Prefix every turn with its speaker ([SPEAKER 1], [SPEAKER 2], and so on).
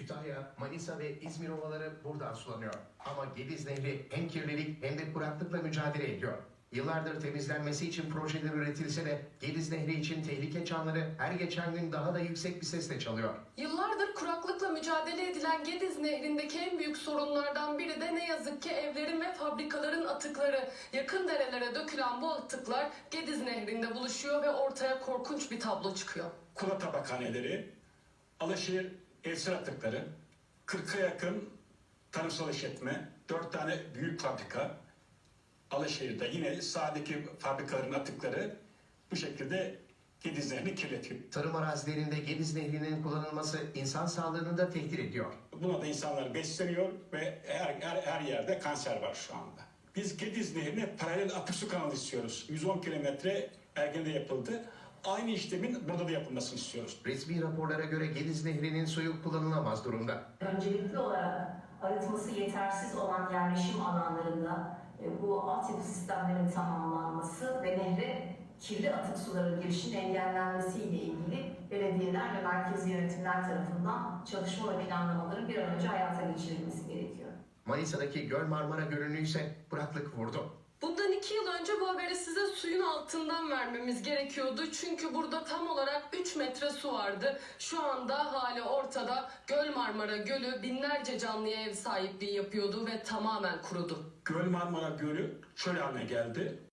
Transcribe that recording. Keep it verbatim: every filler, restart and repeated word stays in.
[SPEAKER 1] Kütahya, Manisa ve İzmir ovaları buradan sulanıyor. Ama Gediz Nehri hem kirlilik hem de kuraklıkla mücadele ediyor. Yıllardır temizlenmesi için projeler üretilse de Gediz Nehri için tehlike çanları her geçen gün daha da yüksek bir sesle çalıyor.
[SPEAKER 2] Yıllardır kuraklıkla mücadele edilen Gediz Nehri'ndeki en büyük sorunlardan biri de ne yazık ki evlerin ve fabrikaların atıkları. Yakın derelere dökülen bu atıklar Gediz Nehri'nde buluşuyor ve ortaya korkunç bir tablo çıkıyor.
[SPEAKER 3] Kula tabakhaneleri, Alaşehir evsel atıkları, kırka yakın tarımsal işletme, dört tane büyük fabrika, Alaşehir'de yine sahadaki fabrikaların atıkları bu şekilde Gediz Nehri'ni kirletiyor.
[SPEAKER 1] Tarım arazilerinde Gediz Nehri'nin kullanılması insan sağlığını da tehdit ediyor.
[SPEAKER 3] Buna da insanlar besleniyor ve her, her, her yerde kanser var şu anda. Biz Gediz Nehri'ne paralel atık su kanalı istiyoruz. yüz on kilometre Ergen'de yapıldı. Aynı işlemin burada da yapılmasını istiyoruz.
[SPEAKER 1] Resmi raporlara göre Gediz Nehri'nin suyu kullanılamaz durumda.
[SPEAKER 4] Öncelikli olarak arıtması yetersiz olan yerleşim alanlarında e, bu altyapı sistemlerinin tamamlanması ve nehre kirli atık suların girişinin engellenmesiyle ilgili belediyeler ve merkezi yönetimler tarafından çalışma ve planlamaların bir an önce hayata geçirilmesi gerekiyor.
[SPEAKER 1] Manisa'daki Göl Marmara Gölü'nü ise kuraklık vurdu.
[SPEAKER 2] Bundan iki yıl önce bu haberi size suyun altından vermemiz gerekiyordu. Çünkü burada tam olarak üç metre su vardı. Şu anda hali ortada. Göl Marmara Gölü binlerce canlıya ev sahipliği yapıyordu ve tamamen kurudu.
[SPEAKER 3] Göl Marmara Gölü çöl haline geldi.